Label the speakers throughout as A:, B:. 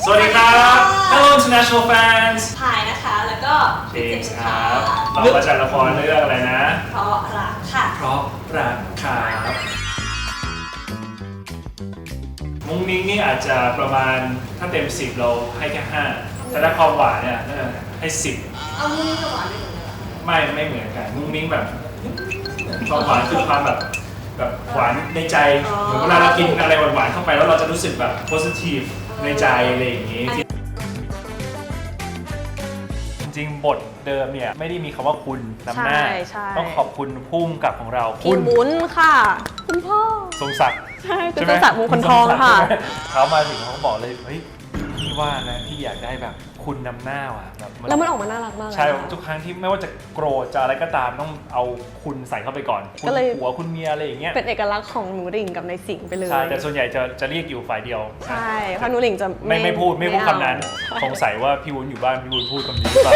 A: สวัสดีครับ Hello International Fans
B: พายนะคะแล้วก็
A: เจมส์ครับเรามาจากละครเรื่องอะไรนะ
B: เพราะรักค่ะ
A: เพราะรักครับมุ้งมิ้งนี่อาจจะประมาณถ้าเต็ม10เราให้แค่5แต่ถ้าความหวานเนี่ยให้10
B: เอามุ้งมิ้งกับหวานไม่เหมือนกัน
A: ไม่เหมือนกันมุ้งมิ้งแบบความหวานคือความแบบหวานในใจเหมือนเวลาเรากินอะไรหวานๆเข้าไปแล้วเราจะรู้สึกแบบ positive ในใจอะไรอย่างนี้จริงๆบทเดิมเนี่ยไม่ได้มีคำว่าคุณนำหน้าต้องขอบคุณพุ่มกับของเรา
B: คุณบุญค่ะคุณพ่อ
A: ทรงศักดิ์
B: ใช่คุณทรงศักดิ์มงคลทองค่ะ
A: เขามาถึงเขาบอกเลยเฮ้ยพี่ว่านะพี่อยากได้แบบคุณนำหน้าว่ะแบบ
B: แล้วมันออกมาน่ารักมาก
A: ใช่ทุกครั้งที่ไม่ว่าจะโกรธจะอะไรก็ตามต้องเอาคุณใส่เข้าไปก่อนคุณผัวคุณเมียอะไรอย่างเงี้ย
B: เป็นเอกลักษณ์ของหนูหลิงกับในสิงไปเลย
A: ใช่แต่ส่วนใหญ่จะเรียกอยู่ฝ่ายเดียว
B: ใช่เพราะหนูหลิงจะ
A: ไม่พูดคำนั้นสงสัยว่าพี่วุ้นอยู่บ้านพี่วุ้นพูดคำนี้หรือเปล่า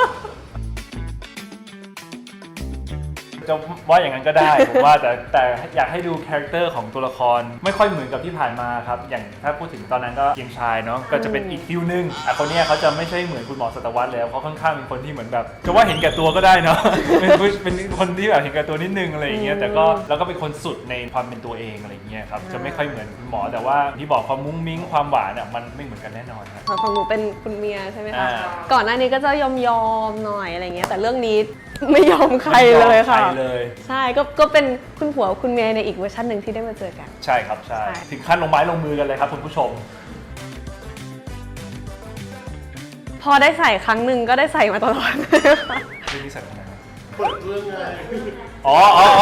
A: จะว่าอย่างนั้นก็ได้ผมว่าแต่อยากให้ดูคาแรคเตอร์ของตัวละครไม่ค่อยเหมือนกับที่ผ่านมาครับอย่างถ้าพูดถึงตอนนั้นก็เกียงชายเนาะก็จะเป็นอีกฟิลนึงคนนี้เขาจะไม่ใช่เหมือนคุณหมอสัตวรรษแล้วเขาค่อนข้างเป็นคนที่เหมือนแบบจะว่าเห็นแก่ตัวก็ได้เนาะเป็นคนที่แบบเห็นแก่ตัวนิดนึงอะไรอย่างเงี้ยแต่ก็แล้วก็เป็นคนสุดในความเป็นตัวเองอะไรอย่างเงี้ยครับจะไม่ค่อยเหมือนคุณหมอแต่ว่าที่บอกความมุ้งมิ้งความหวานมันไม่เหมือนกันแน่นอนครับ
B: ของหนูเป็นคุณเมียใช่ไหมคะก่อนหน้านี้ก็จะยอมหน่อยอะไรเงี้ยแต่เรื่องนี้ไม่ยอมใครเลยค่ะใช่ก็เป็นคุณผัวคุณเมียในอีกเวอร์ชันหนึ่งที่ได้มาเจอกัน
A: ใช่ครับใช่ถึงขั้นลงไม้ลงมือกันเลยครับคุณผู้ชม
B: พอได้ใส่ครั้งหนึ่งก็ได้ใส่มาตลอด
A: เรื่องนี้ใส่ตรงไหนเปิดเรื่องไงอ๋อ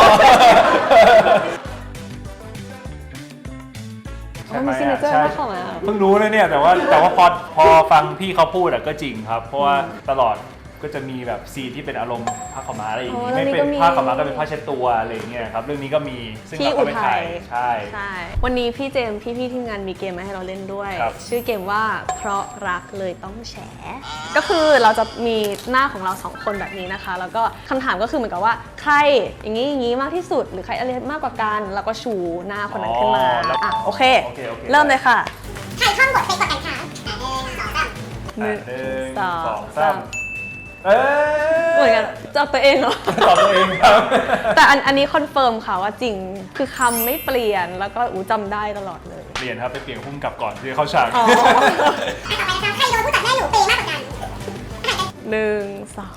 B: ใช่ไหมใช่
A: เพิ่งรู้เลยเนี่ยแต่ว่าพอฟังพี่เขาพูดก็จริงครับเพราะว่าตลอดก็จะมีแบบซีนที่เป็นอารมณ์ผ้าขาวม้าอะไรอย่างนี้ไม่เป็นผ้าขาวม้าก็เป็นผ้าเช็ดตัวอะไรอย่างเงี้ยครับเรื่องนี้ก็มีซึ่งเราก็ไปถ่ายใช่
B: วันนี้พี่เจมส์พี่ทีมงานมีเกมมาให้เราเล่นด้วยชื่อเกมว่าเพราะรักเลยต้องแฉก็คือเราจะมีหน้าของเรา2คนแบบนี้นะคะแล้วก็คำถามก็คือเหมือนกับว่าใครอย่างนี้มากที่สุดหรือใครอะไรมากกว่ากันแล้วก็ชูหน้าคนนั้นขึ้นมาโอเคเริ่มเลยค่ะ
C: ใครท่องบทไปกดกันคะ
A: 1 2 3
B: เหมือนกันจับตัวเองเหรอ
A: ตอบตัวเองครับ
B: แต่อันนี้คอนเฟิร์มค่ะว่าจริงคือคำไม่เปลี่ยนแล้วก็จำได้ตลอดเลย
A: เปลี่ยนครับไปเปลี่ยนพุ่มกับก่อนที่เข้าฉาก
C: ต่อไปนะคะใครโดนผู้จัดแม่หนูเปย์มากกว่ากัน
B: 1 2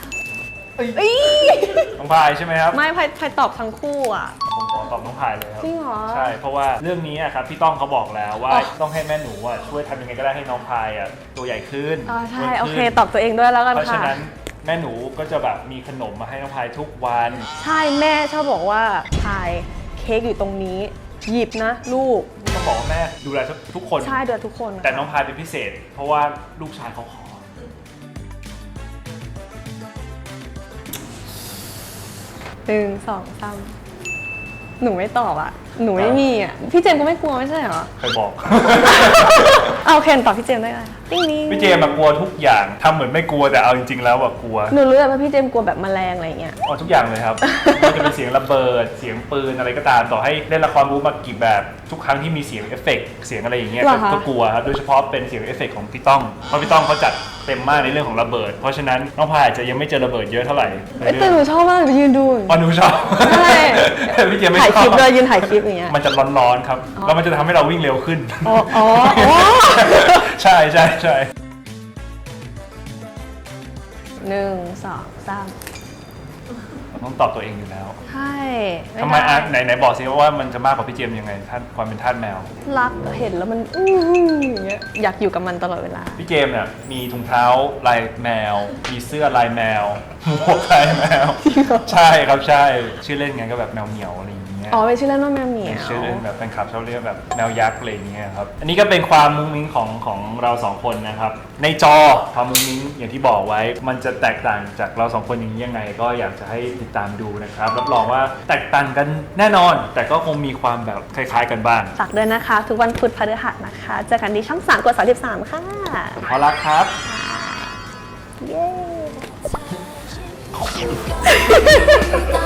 A: น้องพายใช่ไหมครับ
B: ไม่พายตอบทั้งคู่อ่ะ
A: ผมขอตอบน้องพายเลยครับ
B: จริงเหรอ
A: ใช่เพราะว่าเรื่องนี้ครับพี่ต้องเขาบอกแล้วว่าต้องให้แม่หนูช่วยทำยังไงก็ได้ให้น้องพายตัวใหญ่ขึ้น
B: ใช่โอเคตอบตัวเองด้วยแล้วกันค่ะ
A: เพราะฉะนั้นแม่หนูก็จะแบบมีขนมมาให้น้องพายทุกวัน
B: ใช่แม่ชอบบอกว่าพายเค้กอยู่ตรงนี้หยิบนะลูก
A: ต้องบอกว่าแม่ดูแลทุกคน
B: ใช่ดูแลทุกคน
A: แต่น้องพายเป็นพิเศษเพราะว่าลูกชายเขาขอ
B: 1 2 3หนูไม่ตอบอ่ะหนูไม่มีอ่ะพี่เจมส์ก็ไม่กลัวไม่ใช่เหรอ
A: ใครบอก
B: เอาเคนตอบพี่เจมส์ได้ไหม
A: พี่เจมส์กลัวทุกอย่างทำเหมือนไม่กลัวแต่เอาจริงๆแล้วกลัว
B: หนูรู้ว่าพี่เจมส์กลัวแบบแมลงอะไรเงี้ย
A: ทุกอย่างเลยครับมันจะเป็นเสียงระเบิดเสียงปืนอะไรก็ตามต่อให้เล่นละครบู๊มากี่แบบทุกครั้งที่มีเสียงเอฟเฟกต์เสียงอะไรอย่างเงี้ยก็กลัวครับโดยเฉพาะเป็นเสียงเอฟเฟกต์ของพี่ต้องเพราะพี่ต้องเขาจัดเต็มมากในเรื่องของระเบิดเพราะฉะนั้นน้องพายอาจจะยังไม่เจอระเบิดเยอะเท่าไหร่
B: แต่หนูชอบมากยืนดู
A: หนูชอบ
B: ใช่
A: พี่เจมส์ไม่ชอบ
B: ถ่ายคลิปเลยยืนถ่ายคลิปอย่างเงี้ย
A: มันจะร้อนๆครับแล้วมันจะทำให้เราวิ่งเร็วขึ้นใช่
B: 1 2 3
A: ต้องตอบตัวเองอยู่แล้ว
B: ใช่
A: ทำไมไหนบอกสิว่ามันจะมากกว่าพี่เจมส์ยังไงท่านความเป็นทาสแมว
B: รักเห็นแล้วมันอย่างเงี้ยอยากอยู่กับมันตลอดเวลา
A: พี่เจมส์เนี่ยมีถุงเท้าลายแมวมีเสื้อลายแมวหมวกลายแมวใช่ครับใช่ชื่อเล่นไงก็แบบแมวเหมียวอะไรอย่างเงี้ย
B: เป็นชื่อเล่นว่าแมวเหมียว
A: ชื่อเล่นแบบแฟนคลับชอบเรียกแบบแมวยักษ์อะไรอย่างเงี้ยครับอันนี้ก็เป็นความมุ้งมิ้งของเรา2คนนะครับในจอความมุ้งมิ้งอย่างที่บอกไว้มันจะแตกต่างจากเรา2คนอย่างนี้ยังไงก็อยากจะให้ติดตามดูนะครับรับรองว่าแตกต่างกันแน่นอนแต่ก็คงมีความแบบคล้ายๆกันบ้าง
B: ฝากด้วยนะคะทุกวันพุธพฤหัสนะคะเจอกันที่ช่อง3 กด 33ค่ะ
A: ขอรักครับ
B: เย้